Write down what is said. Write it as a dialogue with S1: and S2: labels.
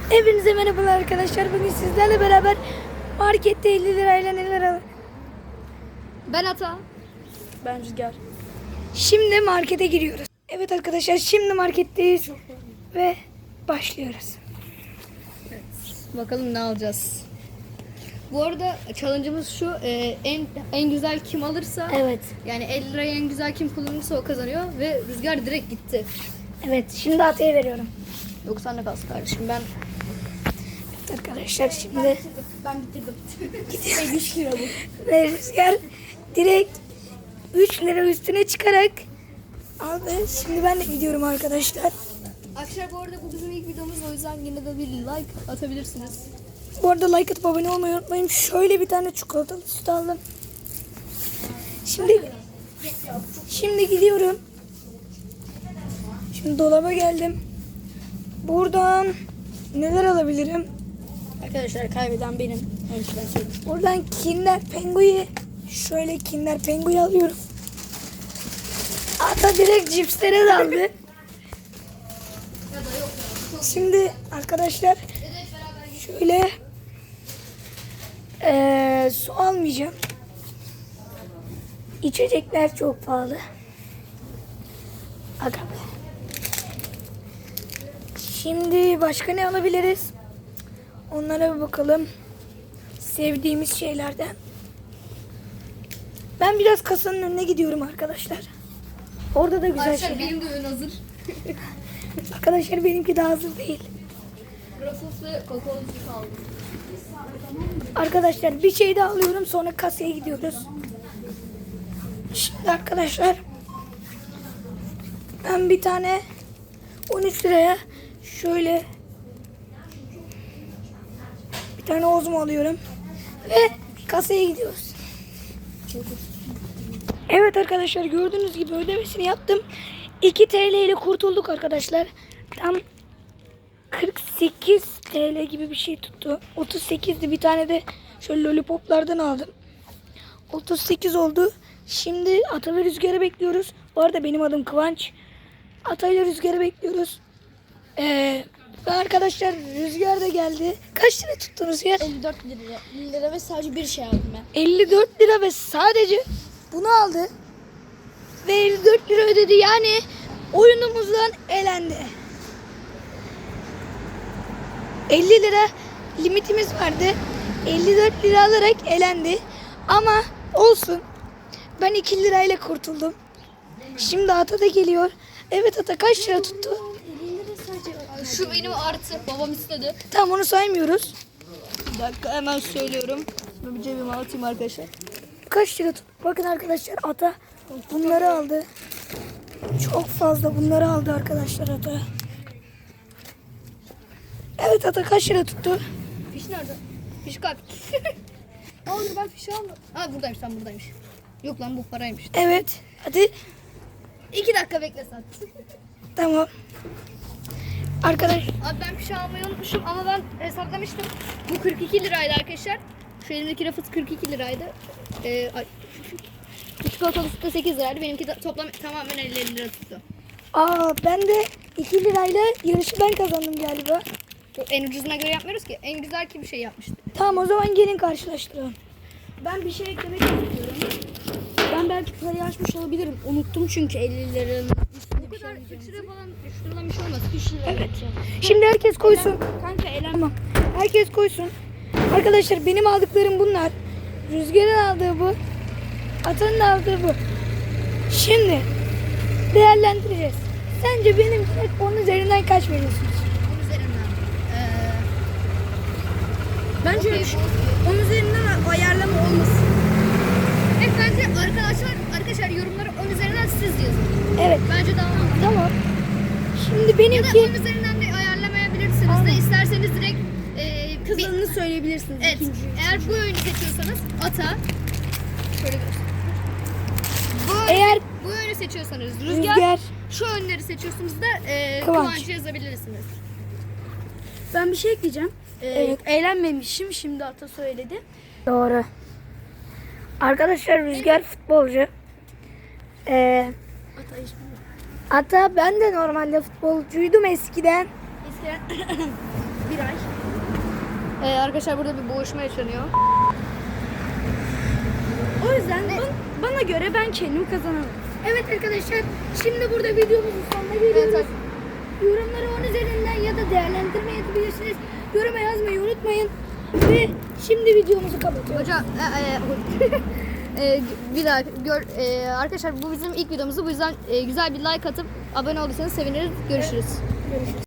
S1: Hepinize merhabalar arkadaşlar. Bugün sizlerle beraber markette 50 lirayla neler alır?
S2: Ben Ata. Ben Rüzgar.
S1: Şimdi markete giriyoruz. Evet arkadaşlar, şimdi marketteyiz ve başlıyoruz.
S2: Bakalım ne alacağız. Bu arada challenge'ımız şu. En güzel kim alırsa,
S1: Evet.
S2: yani 50 lirayı en güzel kim kullanırsa o kazanıyor ve Rüzgar direkt gitti.
S1: Evet, şimdi Atay'a veriyorum.
S2: 90'la kalsın kardeşim. Ben
S1: Evet arkadaşlar, şimdi
S2: bitirdim.
S1: gidiyoruz. 3 lira bu. Ve Rüzgar direkt 3 lira üstüne çıkarak aldı. Şimdi ben de gidiyorum arkadaşlar.
S2: Arkadaşlar bu arada bu bizim ilk videomuz, o yüzden yine de bir like atabilirsiniz.
S1: Bu arada like atıp abone olmayı unutmayın. Şöyle bir tane çikolatalı süt aldım. Şimdi gidiyorum. Şimdi dolaba geldim. Buradan neler alabilirim?
S2: Arkadaşlar kaybeden benim. Önce ben söyleyeyim.
S1: Buradan Kinder Penguin'i, şöyle Kinder Penguin'i alıyorum. Ata direkt cipslere daldı. Şimdi arkadaşlar şöyle su almayacağım. İçecekler çok pahalı. Aga be. Şimdi başka ne alabiliriz? Onlara bir bakalım. Sevdiğimiz şeylerden. Ben biraz kasanın önüne gidiyorum arkadaşlar. Orada da güzel
S2: Arkadaşlar
S1: şeyler.
S2: benim de ön hazır.
S1: Arkadaşlar benimki daha hazır değil.
S2: Grafos ve kakaolu süt aldım.
S1: Arkadaşlar bir şey daha alıyorum, sonra kasaya gidiyoruz. Şimdi arkadaşlar ben bir tane 13 liraya şöyle bir tane ozmo alıyorum ve kasaya gidiyoruz. Evet arkadaşlar, gördüğünüz gibi ödemesini yaptım. 2 TL ile kurtulduk arkadaşlar. Tam 48 TL gibi bir şey tuttu. 38'di, bir tane de şöyle lollipoplardan aldım. 38 oldu. Şimdi Ata ve Rüzgar'ı bekliyoruz. Bu arada benim adım Kıvanç. Ata ile Rüzgar'ı bekliyoruz. Ve arkadaşlar Rüzgar da geldi. Kaç lira tuttu Rüzgar?
S2: 54 lira ve sadece bir şey aldım ben.
S1: 54 lira ve sadece bunu aldı. Ve 54 lira ödedi, yani oyunumuzdan elendi. 50 lira limitimiz vardı. 54 lira alarak elendi. Ama olsun. Ben 2 lirayla kurtuldum. Şimdi Ata da geliyor. Evet Ata, kaç lira tuttu?
S2: Şu benim artı. Babam istedi.
S1: Tamam, onu saymıyoruz.
S2: Bir dakika hemen söylüyorum. Şunu bir cebime atayım arkadaşlar.
S1: Kaç lira tuttu? Bakın arkadaşlar, Ata bunları aldı. Çok fazla bunları aldı arkadaşlar Ata. Evet Ata, kaç lira tuttu?
S2: Fiş nerede? Fiş kalp. Aa dur, ben fişi almadım. Aa buradaymış, tam buradaymış. Yok lan, bu paraymış.
S1: Evet. Hadi.
S2: 2 dakika bekle sen.
S1: Tamam. Arkadaş.
S2: Abi ben fişi almayı unutmuşum ama ben hesaplamıştım. Bu 42 liraydı arkadaşlar. Şu elimdeki rafıt 42 liraydı. Çikolatalı süt de 8 liraydı. Benimki de toplam tamamen 50 lira tuttu.
S1: Ben de 2 lirayla yarışı ben kazandım galiba.
S2: En ucuzuna göre yapmıyoruz ki. En güzel kim bir şey yapmıştı.
S1: Tamam, o zaman gelin karşılaştıralım.
S2: Ben bir şey eklemek istiyorum. Ben belki parayı açmış olabilirim. Unuttum çünkü 50 liranın. Bu kadar 3 lira falan 3 liradan bir şey olmaz. 3 lira.
S1: Evet. Şimdi herkes koysun.
S2: Kanka elenme.
S1: Tamam. Herkes koysun. Arkadaşlar benim aldıklarım bunlar. Rüzgar'ın aldığı bu. Atan'ın aldığı bu. Şimdi değerlendireceğiz. Sence benim 10 üzerinden kaç veriyorsunuz?
S2: Üzerinden.
S1: Bence
S2: Okey,
S1: 10 üzerinden ayarlama olmasın.
S2: evet bence arkadaşlar yorumları 10 üzerinden siz yazın.
S1: Evet.
S2: Bence daha mantıklı.
S1: Tamam. Şimdi
S2: Ya da
S1: benimki
S2: 10 üzerinden de ayarlamayabilirsiniz de, isterseniz direkt
S1: kızlarını söyleyebilirsiniz.
S2: evet, eğer bu oyunu seçiyorsanız Ata, şöyle göstereyim.
S1: Eğer
S2: Bu oyunu seçiyorsanız
S1: Rüzgar,
S2: Rüzgar, şu oyunları seçiyorsunuz da
S1: Kıvanç.
S2: Kıvanç'ı yazabilirsiniz.
S3: Ben bir şey ekleyeceğim.
S1: Evet.
S3: Eğlenmemişim. Şimdi Ata söyledi.
S1: doğru. Arkadaşlar Rüzgar futbolcu.
S3: Ata hiç
S1: Hatta ben de normalde futbolcuydum eskiden.
S3: eskiden Bir ay.
S2: Arkadaşlar burada bir boğuşma yaşanıyor.
S3: O yüzden bana göre ben kendim kazanamam.
S1: Evet arkadaşlar, şimdi burada videomuzun sonuna geliyoruz.
S2: Evet,
S1: Yorumları 10 üzerinden ya da değerlendirme yapabilirsiniz. Yoruma yazmayı unutmayın. Ve şimdi videomuzu kapatıyoruz.
S2: Hocam bir daha arkadaşlar bu bizim ilk videomuzdu. Bu yüzden güzel bir like atıp abone olursanız seviniriz. Görüşürüz.
S1: Görüşürüz.